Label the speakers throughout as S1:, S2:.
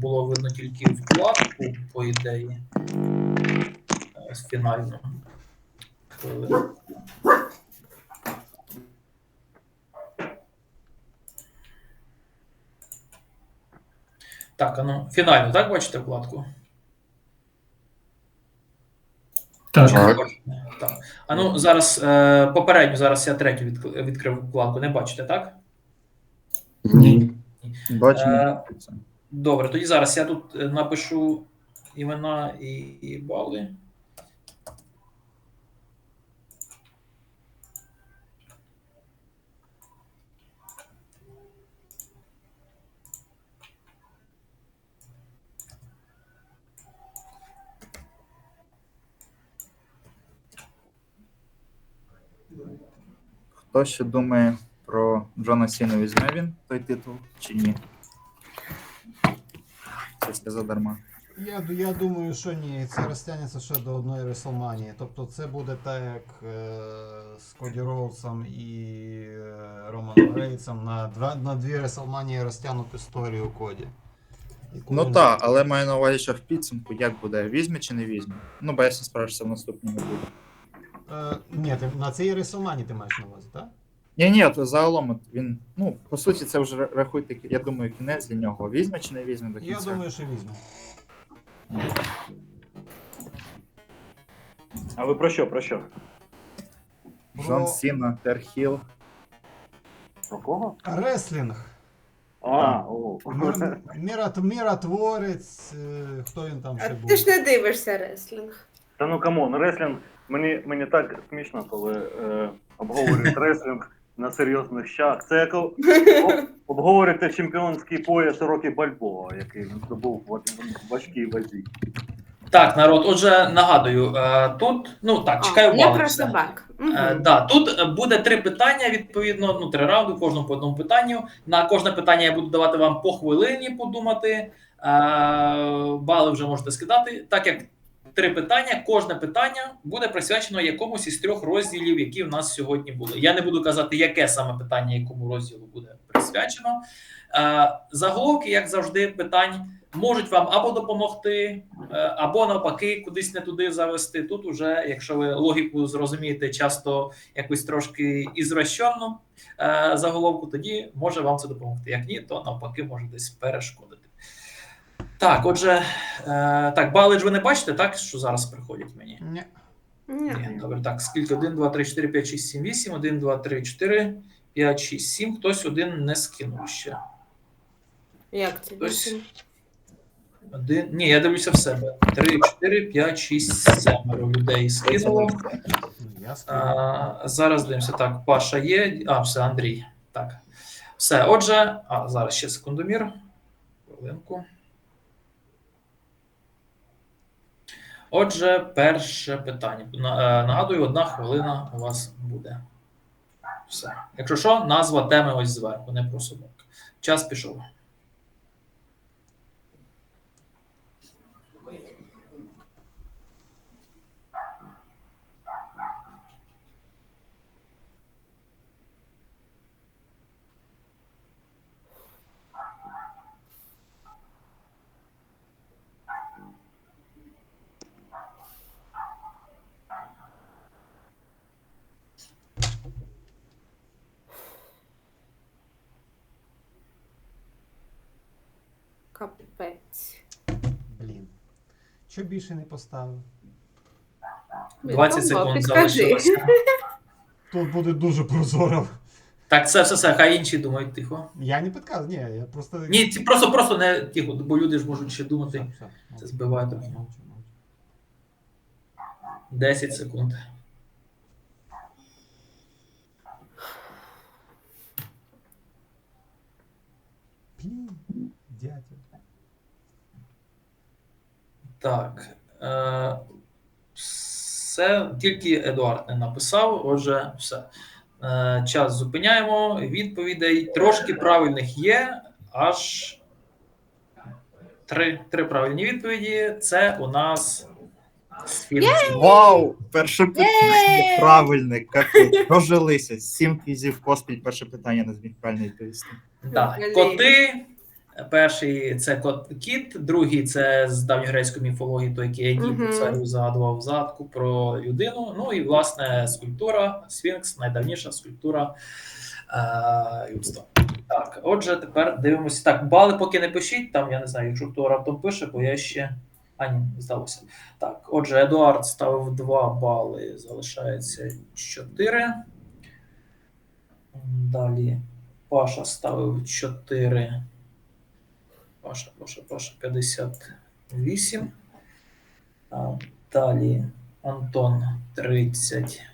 S1: було видно тільки вкладку, по ідеї. Фінальну. Так, а ну, фінально, так бачите вкладку?
S2: Так.
S1: Так. А ну, зараз, попередньо, зараз я третю відкрив вкладку, не бачите, так?
S2: Ні.
S3: Бачимо.
S1: Добре, тоді зараз я тут напишу імена і бали.
S3: Хто ще думає про Джона Сіну, візьме він той титул чи ні? Це задарма.
S4: Я думаю, що ні, це розтягнеться ще до одної Реслманії. Тобто це буде так, як з Коді Роудсом і Романом Рейнсом на дві Реслманії розтягнути історію Коді.
S3: Ну так, але маю на увазі, що в підсумку як буде, візьме чи не візьме? Ну, бо я справишся в наступному буде.
S4: Ні, на цій Реслманії ти маєш на увазі, так?
S3: Ні, то загалом він, ну, по суті, це вже рахуйте, я думаю, кінець для нього. Візьме чи не візьме до кінця?
S4: Я думаю, що візьме.
S5: А ви про що? Про що?
S3: Джон Сіна, Терхіл.
S5: Про кого?
S4: Реслінг.
S5: О.
S4: Міротворець, хто він там
S6: А
S4: ще був?
S6: ти ж не дивишся реслінг.
S5: Та ну камон, реслінг, мені так смішно, коли обговорюють реслінг на серйозних щах. Це як обговорюєте чемпіонський пояс Рокі Бальбоа, який він здобув в важкій вазі.
S1: Так, народ, отже, нагадую, тут, ну так, чекаю
S6: Я
S1: бали.
S6: про
S1: все.
S6: собак.
S1: Да, тут буде 3 питання, відповідно, ну 3 раунди, кожному по одному питанню. На кожне питання я буду давати вам по хвилині подумати. Бали вже можете скидати. Так як 3 питання, кожне питання буде присвячено якомусь із 3 розділів, які в нас сьогодні були. Я не буду казати, яке саме питання якому розділу буде присвячено. Заголовки, як завжди, питань можуть вам або допомогти, або навпаки кудись не туди завести. Тут уже, якщо ви логіку зрозумієте часто якусь трошки ізвращенну заголовку, тоді може вам це допомогти. Як ні, то навпаки може десь перешкодити. Так, отже, так, бали ж ви не бачите, так, що зараз приходять мені?
S4: Ні.
S1: Ні, добре, так, скільки? 1, 2, 3, 4, 5, 6, 7, 8, 1, 2, 3, 4, 5, 6, 7, хтось один не скинув ще.
S6: Як це?
S1: Хтось... Ні, я дивлюся в себе. 3, 4, 5, 6, 7 людей скинуло. Зараз дивимося. Так, Паша є. Все, Андрій. Так. Все, отже, зараз ще секундомір. Хвилинку. Отже, перше питання. Нагадую, 1 хвилина у вас буде. Все. Якщо що, назва теми ось зверху, не про собак. Час пішов.
S6: Капець.
S4: Блін. Що більше не поставив?
S1: 20 секунд
S6: Підкажи.
S1: залишилося.
S4: Тут буде дуже прозоро.
S1: Так, все, хай інші думають тихо.
S4: Я не підказую, ні, я просто...
S1: Ні, просто не тихо, бо люди ж можуть ще думати. Це збиває трохи. 10 секунд.
S4: Блін, дядя.
S1: Так. Все, тільки Едуард не написав, отже, все. Час зупиняємо. Відповідей трошки правильних є, аж 3 правильні відповіді. Це у нас
S3: Вау! Перше питання правильне. Капець. Прожилися. 7 квізів поспіль. Перше питання не зміг правильно відповісти.
S1: Да. Коти, Перший це кіт, другий це з давньогрецької міфології, той, який Едіп
S6: Мгм.
S1: царю загадував задку про людину. Ну і власне скульптура, Сфінкс, найдавніша скульптура людства. Так, отже, тепер дивимося. Так, бали поки не пишіть, там я не знаю, якщо хто раптом пише, бо я ще. А, ні, здалося. Так, отже, Едуард ставив 2 бали, залишається 4. Далі Паша ставив 4. Паша, 58. Далі Антон 30.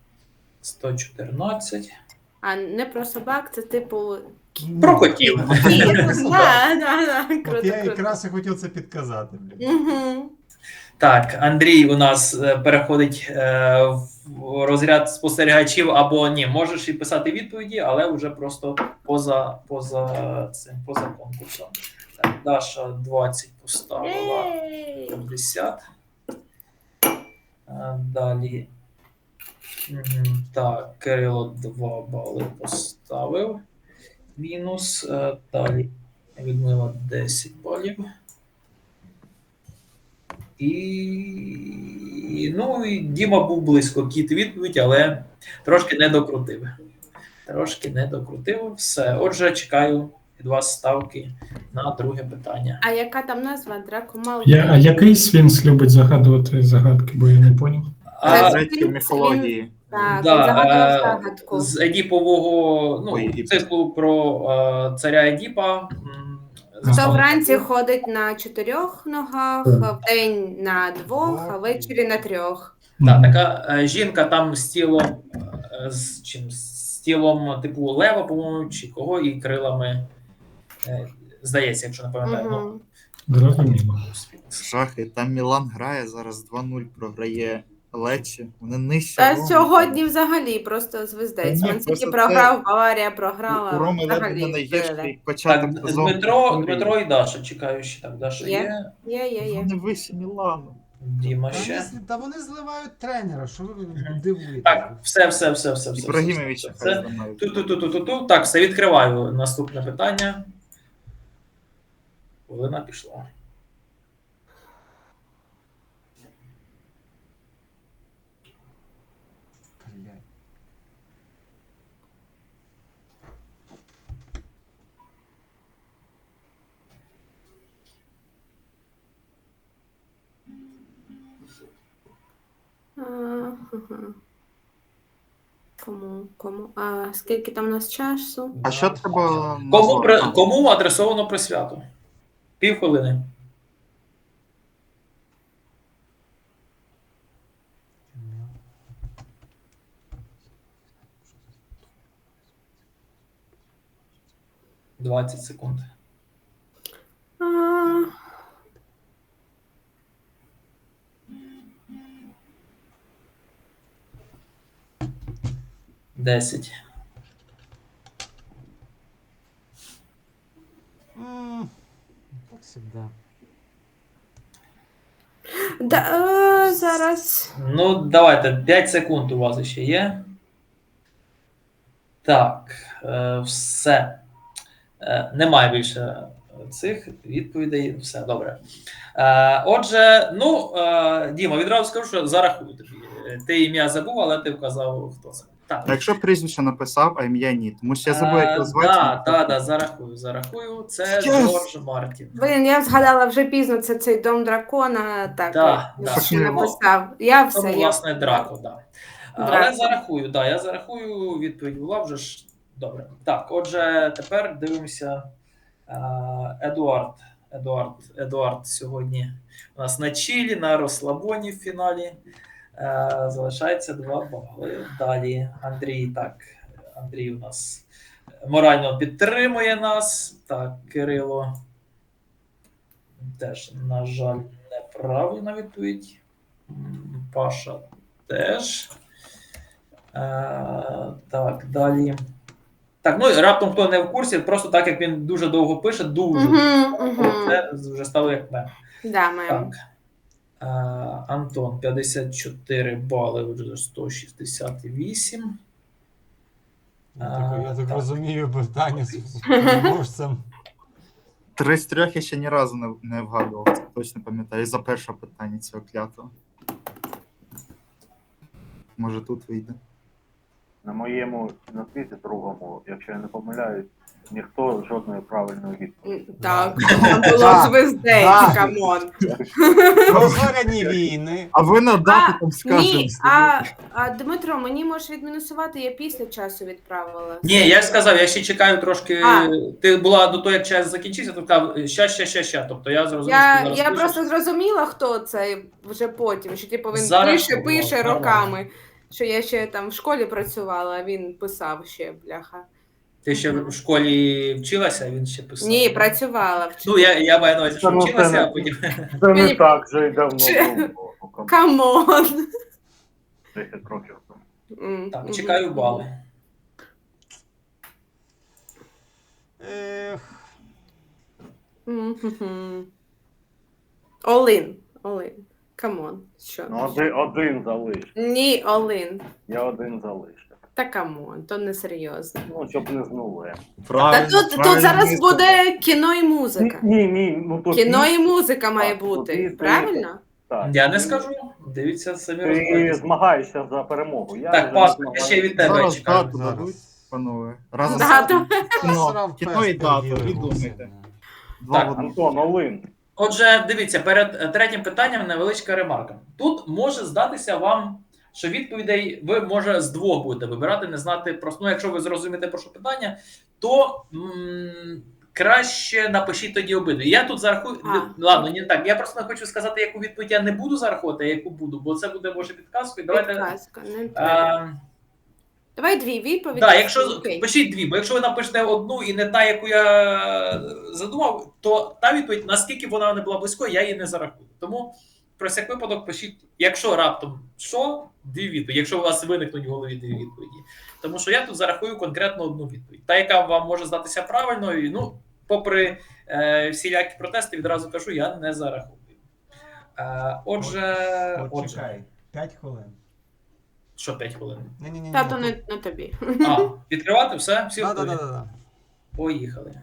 S1: 114.
S6: А не про собак, це типу.
S1: Про котів.
S6: Да,
S4: От
S6: круто,
S4: я
S6: круто.
S4: якраз і хотів це підказати. блін.
S6: Мгм.
S1: Так, Андрій у нас переходить в розряд спостерігачів або ні, можеш і писати відповіді, але вже просто поза конкурсом. Так, Даша 20 поставила.
S6: Єй!
S1: 50. Далі. Так, Кирило 2 бали поставив. Мінус. Далі Людмила 10 балів. Ну, і Діма був близько кіт відповідь, але трошки не докрутив. Все. Отже, чекаю від вас ставки на друге питання.
S6: А яка там назва? Дракомал?
S2: А який Сфінкс любить загадувати загадки, бо я не поняв?
S1: А,
S3: Грецької міфології.
S6: Так,
S1: Да,
S6: він загадував загадку.
S1: з Едіпового
S3: Ой,
S1: циклу про царя Едіпа.
S6: Хто вранці ходить на 4 ногах, вдень на 2, а ввечері на 3.
S1: Так, така жінка там з тілом, з тілом типу лева, по-моєму, чи кого, і крилами, здається, якщо не пам'ятаю.
S6: Мгм.
S2: Зрозуміло.
S3: Жахи. Там Мілан грає, зараз 2-0 програє Лечі. Вони нижче.
S6: Та
S3: Роми.
S6: сьогодні взагалі просто звездець.
S3: Та ні,
S6: Він
S3: просто
S6: тільки
S3: це-
S6: програв, Баварія програла.
S3: У Роми ледве
S6: взагалі
S3: не найгірший
S6: вбили.
S3: початок
S1: Так,
S3: сезону.
S1: Дмитро і Даша, чекаю ще так. Даша
S6: Є.
S1: є,
S6: Є.
S3: Вони вище Мілану.
S1: Діма
S4: Та
S1: ще.
S4: та вони зливають тренера, що ви дивуєте?
S1: Так, все.
S3: Ібрагімовича
S1: Все.
S3: хай зламають.
S1: Ту-ту-ту-ту-ту. Так, все, відкриваю наступне питання. Хвилина пішла.
S4: Блядь.
S6: Ага. Кому? А скільки там у нас часу?
S3: А що треба назвати?
S1: Кому адресовано присвято? Півхвилини. – 20 секунд.
S6: А,
S1: 10.
S4: Как всегда.
S6: зараз.
S1: Ну, давайте, 5 секунд у вас ще є. Так, все. Немає більше цих відповідей. Все, добре. Отже, Діма, відразу скажу, що зарахую тобі. Ти ім'я забув, але ти вказав, хто це. Так.
S3: А якщо прізвище написав, а ім'я ні, тому що я забув, як його звати.
S1: Так, зарахую. Це
S3: Yes!
S1: Джордж Мартін.
S6: Блін, я згадала вже пізно, це цей дом дракона. Так,
S1: Да,
S6: я
S1: да.
S6: ще написав. Я
S1: Це,
S6: все.
S1: власне, Драко, так. Але
S6: Драко.
S1: зарахую, я зарахую, відповідь була вже ж. Добре. Так, отже, тепер дивимося. Едуард сьогодні у нас на чилі, на розслабоні в фіналі. Залишається 2 бали. Далі Андрій у нас морально підтримує нас. Так, Кирило теж, на жаль, неправильна відповідь. Паша теж. Так, далі. Так, раптом хто не в курсі, просто так як він дуже довго пише, це вже стало як мем.
S6: Да, мем.
S1: Так. Антон 54 бали, вже 168.
S4: Я так розумію, питання з переможцем.
S3: 3 з 3 я ще ні разу не вгадував, це точно пам'ятаю. За перше питання цього клятого. Може тут вийде.
S5: На моєму на світі другому, якщо я не помиляюсь, ніхто жодної правильної відповіді.
S6: Так, там було
S4: Так,
S6: звездець,
S4: так.
S6: камон.
S4: Розгоряні війни.
S3: А ви на дату там скажете.
S6: Ні, а Дмитро, мені можеш відмінусувати, я після часу відправила.
S1: Ні, я ж сказав, я ще чекаю трошки.
S6: А.
S1: Ти була до того, як час закінчився, то сказав, ща. Тобто я зрозумів, що зараз
S6: Я
S1: пишеш.
S6: просто зрозуміла, хто це вже потім, що типу він
S1: Зараз
S6: пише
S1: нормально.
S6: роками. Що я ще там в школі працювала, а він писав ще, бляха.
S1: Ти ще в школі вчилася, а він ще писав.
S6: Ні, працювала в
S1: Ну, я маю на увазі, що
S5: Та ну, це
S1: вчилася,
S5: не-
S1: а потім.
S5: Це не
S6: Мені-
S5: так вже й давно
S6: Чи-
S5: було. Ну,
S6: Камон.
S5: 10 років тому.
S1: Так, чекаю бали.
S4: Ех,
S6: Олин. Камон. Що?
S5: Ну, один залиш.
S6: Ні, Олин.
S5: Я один залишив.
S6: Та камон, то не серйозно.
S5: Ну, щоб не знули.
S6: Та тут зараз буде кіно і музика.
S5: Ні, ну то
S6: Кіно і музика має
S5: Так,
S6: бути,
S5: ти-
S6: правильно?
S5: Так.
S1: Я не скажу. Дивіться самі
S5: Ти
S1: розбирайтеся.
S5: змагаєшся за перемогу. Я
S1: Так,
S5: вже
S1: Паска,
S5: не
S1: я ще й від тебе
S3: Зараз
S1: чекаю.
S3: дату дадуть, панове. Разом
S6: Дату.
S3: кіно і дату, і думайте. Два
S1: Так,
S3: в одному.
S5: Антон, Олин.
S1: Отже, дивіться, перед третім питанням невеличка ремарка. Тут може здатися вам, що відповідей ви, може, з двох будете вибирати, не знати просто. Ну, якщо ви зрозумієте про що питання, то краще напишіть тоді обидві. Я тут зарахую. Ладно, не так. Я просто не хочу сказати, яку відповідь я не буду зарахувати, а яку буду, бо це буде може підказкою. Давайте.
S6: Підказка, не треба. Давай дві відповіді.
S1: Так, якщо
S6: Окей.
S1: пишіть дві, бо якщо ви напишете одну і не та, яку я задумав, то та відповідь, наскільки вона не була близькою, я її не зарахую. Тому про всяк випадок пишіть, якщо раптом що, дві відповіді, якщо у вас виникнуть в голові дві відповіді. Тому що я тут зарахую конкретно одну відповідь. Та, яка вам може здатися правильною, ну, попри всілякі протести, відразу кажу, я не зарахую. Отже,
S4: Чекай, 5 хвилин.
S1: що 5 хвилин?
S4: Ні-ні-ні.
S6: Тато не тобі.
S1: А, відкривати все? Всі готові?
S4: Да.
S1: Поїхали.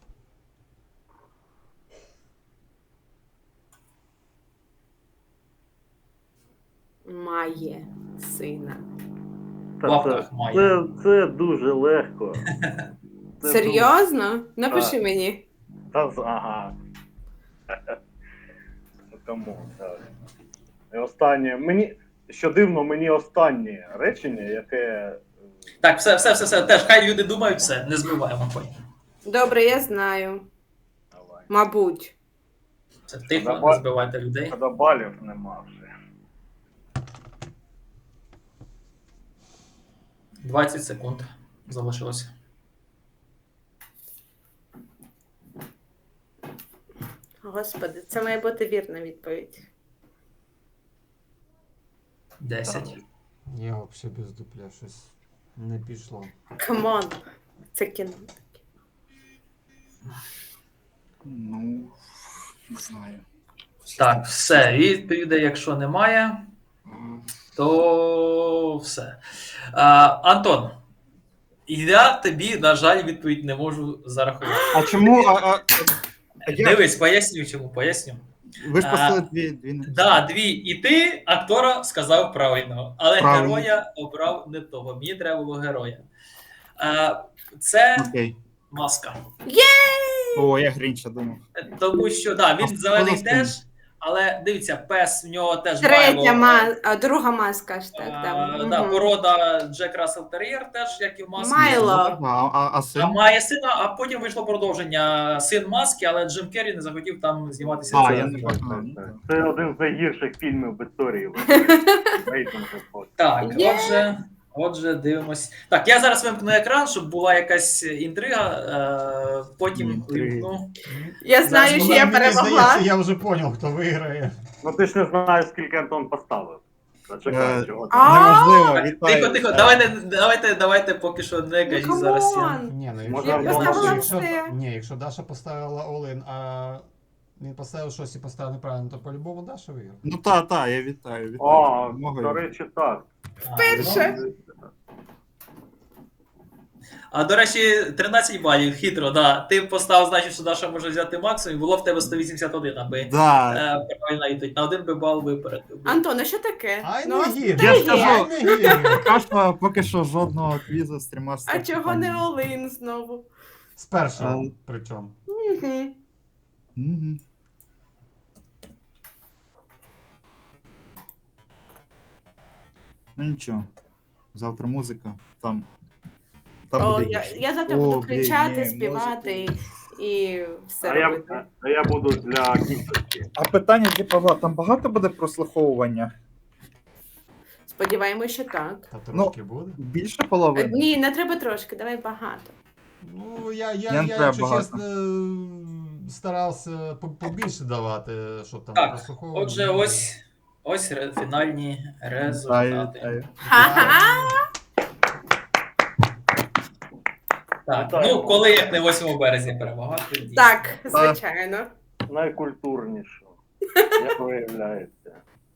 S6: Має сина.
S1: В лапках має.
S5: Це дуже легко. Це
S6: Серйозно? Напиши
S5: Так.
S6: мені.
S5: Ага. Кому? І останнє. Що дивно, мені останнє речення, яке.
S1: Так, все. Теж хай люди думають, все, не збиваємо потім.
S6: Добре, я знаю.
S5: Давай.
S6: Мабуть.
S1: Це тихо,
S5: Давай.
S1: не збивайте людей.
S5: Коли балів нема вже.
S1: 20 секунд залишилося.
S6: Господи, це має бути вірна відповідь.
S1: 10.
S4: Я взагалі без дупля щось не пішло.
S6: Камон. Це кіно.
S3: Ну, не знаю.
S1: Так, все. Відповідей, якщо немає, то все. Антон, я тобі, на жаль, відповідь не можу зарахувати.
S3: А чому? Як?
S1: Дивись, поясню чому, поясню.
S3: Ви ж поставили дві.
S1: Да, дві. І ти актора сказав правильно, але
S3: Правильно.
S1: героя обрав не того. Мені треба було героя. Це
S3: Окей.
S1: Маска.
S3: О, я Грінча думав.
S1: Тому що да, він
S3: А
S1: зелений
S3: хто
S1: теж, але дивіться, пес в нього теж
S6: Третя
S1: Майло.
S6: друга маска ж так. Там.
S1: Да,
S6: Мгм.
S1: порода Джек Рассел Тер'єр теж, як і в Маскі.
S6: Майло.
S3: А син?
S1: А має сина, а потім вийшло продовження син Маски, але Джим Керрі не захотів там зніматися.
S3: А,
S1: Це-
S3: я не бачив.
S5: Це один з найгірших фільмів в історії. Рейтинг.
S1: Так,
S6: Є.
S1: отже, дивимось. Так, я зараз вимкну екран, щоб була якась інтрига, потім
S3: Інтрига.
S1: вимкну.
S6: Я знаю, що я
S4: Мені
S6: перемогла.
S4: здається, я вже поняв, хто виграє.
S5: Ну ти ж не знаєш, скільки Антон поставив. Зачекай, чого ти.
S3: Неважливо,
S1: Так,
S3: вітаю.
S1: тихо, давайте поки що не кажіть
S6: Ну,
S1: зараз.
S6: камон.
S4: Ні, ну
S5: Може,
S6: Я
S5: Антон
S6: поставила
S5: Васильович.
S6: все.
S4: якщо Даша поставила Олин, а він поставив щось і поставив неправильно, то по-любому Даша виграє.
S3: Ну та, я вітаю.
S5: О,
S3: Перемогою.
S5: до речі, так.
S6: Перше.
S1: А до речі, 13 балів, хитро, да. Ти поставив, значить, що Даша може взяти максимум, і було в тебе 181, аби
S3: Да.
S1: правильно відповідь. На 1 би бал випередив.
S6: Антон, а що таке?
S4: Ай,
S6: Ну,
S4: не гірно.
S3: Я ж
S6: стає.
S3: кажу.
S4: Ай, не гірно.
S3: Поки що жодного квізу з 300
S6: А чого не Олин знову?
S4: З першого,
S3: А.
S4: причому.
S6: Мгм.
S3: Мгм. Ну нічого. Завтра музика. Там
S6: О,
S3: буде
S6: я,
S3: гірше.
S6: я завтра
S3: О,
S6: буду
S3: блін,
S6: кричати,
S3: ні,
S6: співати і все
S5: А
S6: робити.
S5: я буду для кінцівки.
S3: А питання для Павла, там багато буде прослуховування?
S6: Сподіваємось, що так.
S4: Та трошки буде.
S3: Більше половини?
S6: Ні, не треба трошки, давай багато.
S4: Ну, я
S3: Я не треба
S4: якщо
S3: багато.
S4: чесно, старався побільше давати, щоб там
S1: Так,
S4: прослуховувати.
S1: Отже, ось фінальні результати.
S3: Вітаю.
S6: Ха-ха!
S1: Так,
S5: Вітаю.
S1: ну коли як не 8 березня перемагати. дійсно.
S6: Так, звичайно.
S5: Найкультурніше, як виявляється.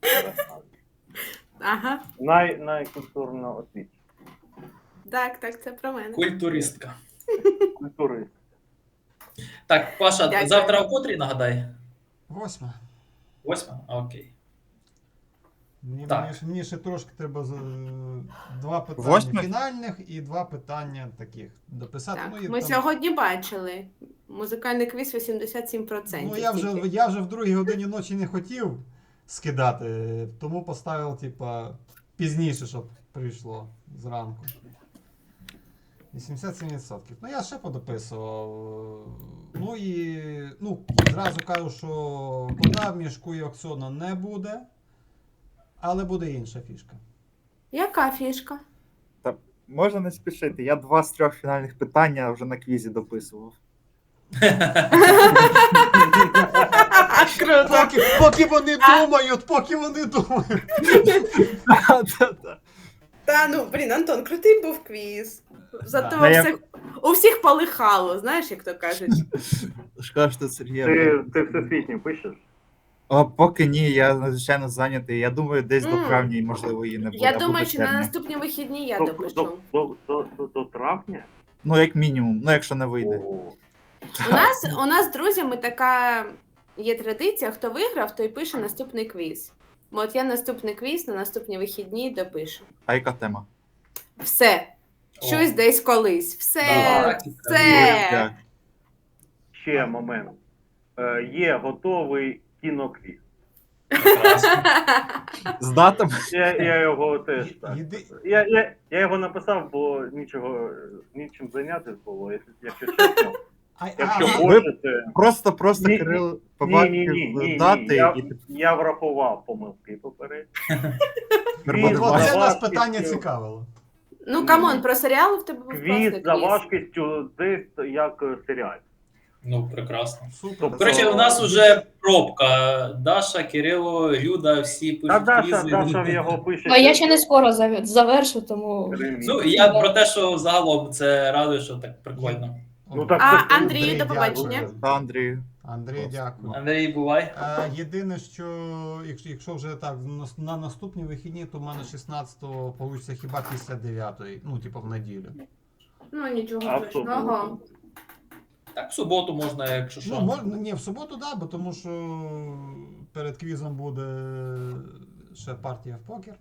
S6: Ага.
S5: Найкультурно освічена.
S6: Так, це про мене.
S1: Культуристка.
S5: Культурист.
S1: Так, Паша,
S6: Дякую.
S1: завтра о котрій нагадай?
S4: 8.
S1: 8? Окей.
S4: Мені,
S1: Так.
S4: мені ще трошки треба 2 питання
S3: Восьме?
S4: фінальних і 2 питання таких дописати.
S6: Так,
S4: Ну, і
S6: ми
S4: там-
S6: сьогодні бачили. Музикальний квіз 87%.
S4: Ну, я вже
S6: тільки.
S4: в 2 годині ночі не хотів скидати, тому поставив, типа, пізніше, щоб прийшло зранку. 87%. Ну, я ще подописував. Ну і зразу кажу, що кота в мішку і Оксона не буде, але буде інша фішка.
S6: Яка фішка?
S3: Можна не спішити. Я 2 з 3 фінальних питання вже на квізі дописував.
S6: Круто.
S4: Поки вони думають.
S6: Та ну, блін, Антон, крутий був квіз. Зато
S3: А я-
S6: у всіх полихало, знаєш, як то кажуть.
S3: Шкода, що Сергій.
S5: Ти всесвітній пишеш?
S3: Поки ні, я надзвичайно зайнятий. Я думаю, десь до
S6: Мм.
S3: травня і можливо її не буде.
S6: Я
S3: або
S6: думаю,
S3: до
S6: що на
S3: червня.
S6: наступні вихідні я
S5: До-
S6: допишу.
S5: До травня?
S3: Ну, як мінімум, ну якщо не вийде.
S5: О,
S6: У нас з друзями така є традиція, хто виграв, той пише наступний квіз. От я наступний квіз на наступні вихідні допишу.
S3: А яка тема?
S6: Все. Щось
S1: О.
S6: десь колись. Все.
S1: Так,
S6: Все.
S3: Як?
S5: ще момент. Є готовий кіноквіз.
S1: прекрасно.
S3: З датами?
S5: Я його теж так.
S4: Єди-
S5: Я його написав, бо нічим зайнятися було, якщо чесно. Якщо
S6: а,
S5: хочете.
S3: Просто
S5: Ні,
S3: Кирил побачив дати
S5: Я,
S3: і
S5: я врахував помилки попередньо.
S3: тепер
S4: От
S3: буде
S4: це нас
S5: важкістю.
S4: питання цікавило.
S6: Ну, камон, про серіали в тебе був
S5: Квіз
S6: класний
S5: за
S6: квіз.
S5: важкістю десь як серіал.
S1: Ну, прекрасно.
S4: Супер.
S1: До речі, у нас уже пробка. Даша, Кирило, Люда, всі
S5: Та
S1: пишуть
S5: Даша
S1: квізи.
S5: його пише.
S7: Ну, я ще не скоро завершу, тому.
S1: Ну, я про те, що загалом це радує, що так прикольно.
S5: Ну, так
S6: А,
S5: це-
S6: Андрій, до побачення.
S4: дякую.
S3: Та, Андрію.
S4: Андрій, дякую.
S1: Андрій, бувай.
S4: Єдине, що якщо вже так на наступні вихідні, то в мене 16-го вийде хіба після 9-ї, ну, типу, в неділю.
S6: Ну, нічого
S5: А в
S6: страшного.
S5: суботу?
S1: Так, в суботу можна, якщо що.
S4: Ну, можна, ні, в суботу, да, бо тому що перед квізом буде ще партія в покер.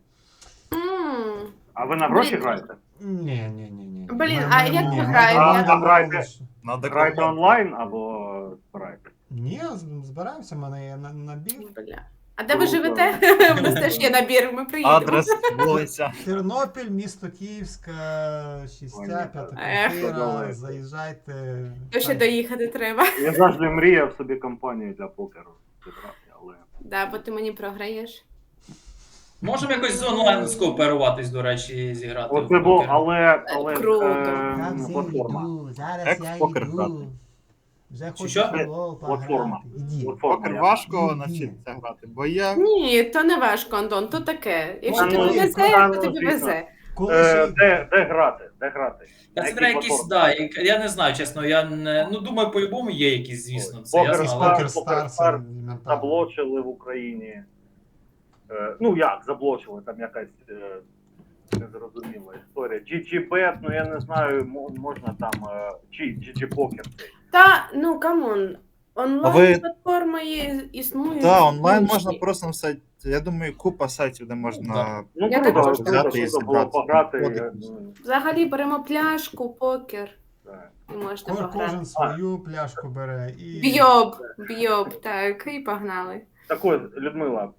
S6: М.
S5: А ви на гроші
S6: Блін.
S5: граєте?
S4: Ні.
S6: Блін, а як ви
S4: ми
S6: граєте?
S5: Грайте.
S3: Надо
S5: Граєте онлайн або збираєте?
S4: Ні, збираємося, в мене є набір.
S6: Бля. А де ви
S5: Круто.
S6: живете? У нас теж є набір, ми приїдемо.
S3: Адрес, вулиця.
S4: Тернопіль, місто Київська, 6, 5
S6: Ех.
S4: квартира, заїжджайте.
S6: То ще доїхати треба.
S5: Я завжди мріяв собі компанію для покеру зібрати, але.
S6: Да, бо ти мені програєш.
S1: Можемо якось з онлайн скооперуватись, до речі, зіграти. в
S5: Оце було,
S1: покер.
S5: але
S6: Круто.
S5: платформа.
S4: Зараз
S3: Як
S4: я
S3: в покер
S4: йду.
S3: грати?
S4: Вже хочу
S1: що?
S4: футбол
S5: Платформа.
S4: пограти. Іди.
S3: Покер важко навчитися грати, бо я
S6: Ні, то не важко, Антон, то таке. Якщо
S5: Ну,
S6: тобі
S5: ну,
S6: везе,
S5: ну,
S6: то тобі
S5: звісно.
S6: везе.
S4: Коли ще...
S5: Де грати? Де грати?
S1: Та це
S5: Які
S1: треба якісь,
S5: платформи?
S1: да, я не знаю, чесно, я не. Ну, думаю, по-любому є якісь, звісно. Це
S5: Покер
S1: ясно,
S5: Star,
S1: але...
S4: Покер
S5: Покер
S4: Star,
S5: Star
S4: елементарно.
S5: Заблочили в Україні. Ну як заблочили, там якась незрозуміла історія. GGBet, ну я не знаю, можна там, чи GG Poker цей.
S6: Та, ну камон,
S3: А
S6: онлайн
S3: ви-
S6: платформи існують.
S3: Так, онлайн
S6: інші.
S3: можна просто на сайті. Я думаю, купа сайтів, де можна.
S5: Ну
S6: Я
S5: круто,
S6: також
S3: взяти і
S5: круто було
S3: зібрати.
S5: пограти.
S3: Ходити.
S6: Взагалі беремо пляшку, покер
S5: Так.
S6: і можна
S4: Кожен
S6: пограти.
S4: свою пляшку бере і.
S6: Б'йоб, так, і погнали.
S5: Так ось, Людмила,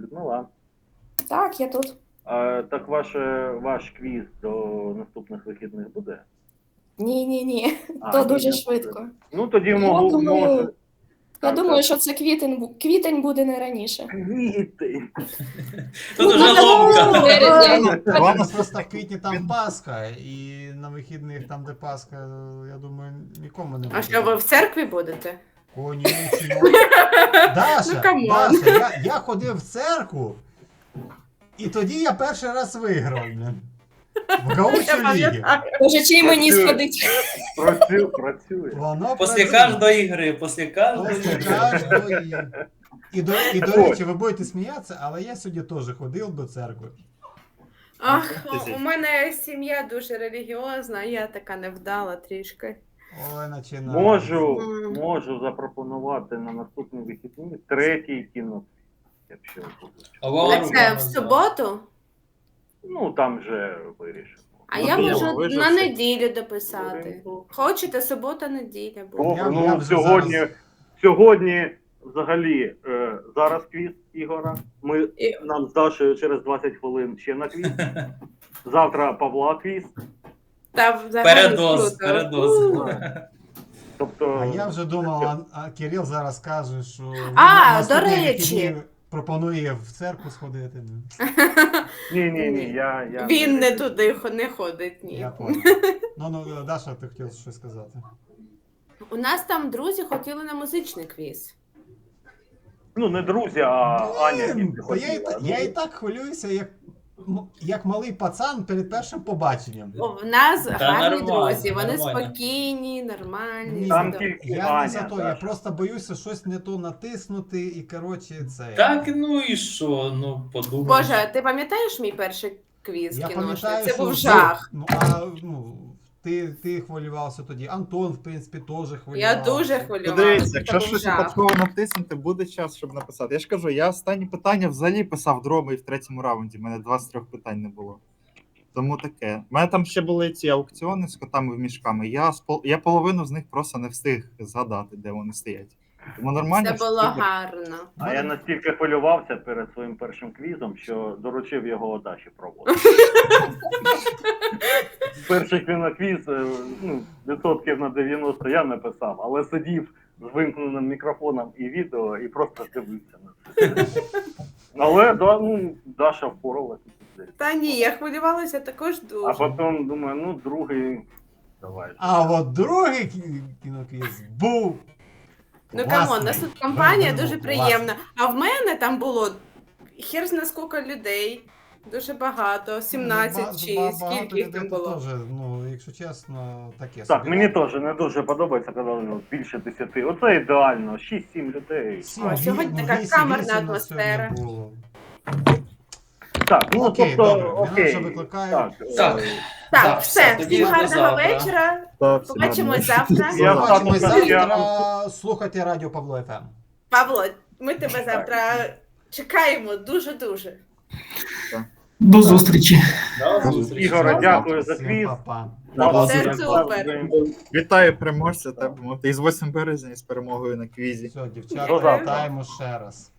S7: Так, я тут.
S5: так ваш квіз до наступних вихідних буде?
S7: Ні.
S5: А,
S7: То
S5: ні,
S7: дуже
S5: не
S7: швидко.
S5: буде. Ну тоді
S7: Я
S5: можу.
S7: думаю, Я
S5: Так,
S7: думаю,
S5: так.
S7: що це квітень буде не раніше.
S5: Квіти.
S1: Тут уже ломка.
S7: Березня.
S4: Ладно, просто в квітні там Пасха, і на вихідних там, де Пасха, я думаю, нікому не буде.
S6: А що, ви в церкві будете?
S4: Конечно. Даша,
S6: Ну, камон.
S4: Даша, я ходив в церкву, і тоді я перший раз виграв, блін. В
S6: Я
S4: гаучу лігі.
S6: пам'ятаю.
S7: Боже, чий мені
S5: Працює.
S7: сходить?
S5: Працює.
S4: Воно
S1: Після
S4: працює.
S1: кожної гри, після кожної
S4: Після
S1: гри.
S4: кожної. І до речі, ви будете сміятися, але я сьогодні теж ходив до церкви.
S6: Ах, у мене сім'я дуже релігіозна, а я така невдала трішки.
S4: Ой, починаю.
S5: Можу запропонувати на наступні вихідні третій кіно. Якщо будуть.
S1: А
S6: А
S1: вам
S6: це в суботу?
S5: Ну там вже вирішимо.
S6: А
S3: Ну,
S6: я
S3: то
S6: можу
S3: ви ж
S6: на
S3: всі-
S6: неділю дописати. Хочете, субота-неділя буде.
S5: Добре,
S4: Я
S5: ну
S4: вже
S5: сьогодні взагалі зараз квіз Ігора.
S6: І-
S5: Нам з Дашею через 20 хвилин ще на квіз. Завтра Павла квіз.
S6: Та взагалі
S1: Передоз,
S6: круто.
S1: передоз.
S5: Тобто,
S4: А я вже думав, а Кирил зараз каже, що
S6: А,
S4: наступні
S6: до речі.
S4: вихідні пропонує в церкву сходити.
S5: ні, я
S6: Він не туди не ходить, ні.
S4: Я понял. Ну, Даша, ти хотів щось сказати.
S6: У нас там друзі хотіли на музичний квіз.
S5: Ну не друзі, а Аня.
S4: Блін,
S5: тільки
S4: та
S5: хотіла.
S4: я і так хвилююся, як малий пацан перед першим побаченням.
S6: В нас
S1: Та
S6: гарні
S1: нормально,
S6: друзі, вони
S1: нормально.
S6: спокійні, нормальні.
S4: Ні,
S5: Там
S6: все
S5: тільки
S4: Я
S5: Аня.
S4: не за то, я
S5: Даша.
S4: просто боюся щось не то натиснути і, коротше, це.
S1: Так, ну і що? Ну, подумай.
S6: Боже, ти пам'ятаєш мій перший квіз
S4: Я
S6: кіношний?
S4: пам'ятаю,
S6: Це
S4: що
S6: був жах.
S4: Ти хвилювався тоді. Антон, в принципі, теж хвилювався.
S6: Я дуже
S3: Ну,
S6: хвилювалася.
S3: дивіться,
S6: Це
S3: якщо
S6: був
S3: щось
S6: жах.
S3: випадково натиснути, буде час, щоб написати. Я ж кажу, я останні питання взагалі писав дроби в третьому раунді. У мене 2 з 3 питань не було. Тому таке. У мене там ще були ці аукціони з котами в мішками. Я половину з них просто не встиг згадати, де вони стоять. Тому нормально.
S6: Це
S3: що
S6: було
S3: супер.
S6: гарно.
S5: А я настільки хвилювався перед своїм першим квізом, що доручив його Даші проводити. Перший квіз, ну, відсотків на 90 я не писав, але сидів з вимкненим мікрофоном і відео і просто дивився на це. Але Даша впоралася.
S6: Та ні, я хвилювалася також
S5: А
S6: дуже.
S5: потім думаю, ну другий, давай.
S4: А от другий кіноквіз був.
S6: Ну
S4: класний.
S6: камон, нас тут компанія
S4: Він
S6: дуже
S4: був
S6: приємна. А в мене там було хер зна скільки людей. Дуже багато, 17 чи
S4: Багато
S6: скільки їх там
S4: людей
S6: було.
S4: теж, ну, якщо чесно, таке
S5: Так,
S4: собі.
S5: мені теж не дуже подобається, коли більше 10. Оце ідеально, 6-7 людей.
S6: О, сьогодні така камерна атмосфера.
S5: Так, ну
S4: Окей,
S5: тобто,
S4: добре, мене
S5: окей.
S4: вже викликають.
S5: Так,
S1: Так.
S6: Так,
S1: Так,
S6: все,
S1: все, тоді
S6: всім
S1: до
S6: гарного
S1: завтра.
S6: вечора.
S3: Так, все
S6: Побачимось
S3: нормально.
S6: завтра.
S5: Я
S4: Побачимось
S5: так,
S4: завтра. Слухайте Радіо Павло ФМ.
S6: Павло, ми тебе завтра чекаємо дуже-дуже.
S2: До зустрічі.
S1: До зустрічі.
S5: Ігоре, дякую за
S4: Всім
S5: квіз.
S4: па-па.
S6: Це супер.
S3: Вітаю переможця, так би мовити. І з 8 березня, і з перемогою на квізі.
S4: Все,
S5: До
S4: дівчата,
S5: завтра.
S4: вітаємо ще раз.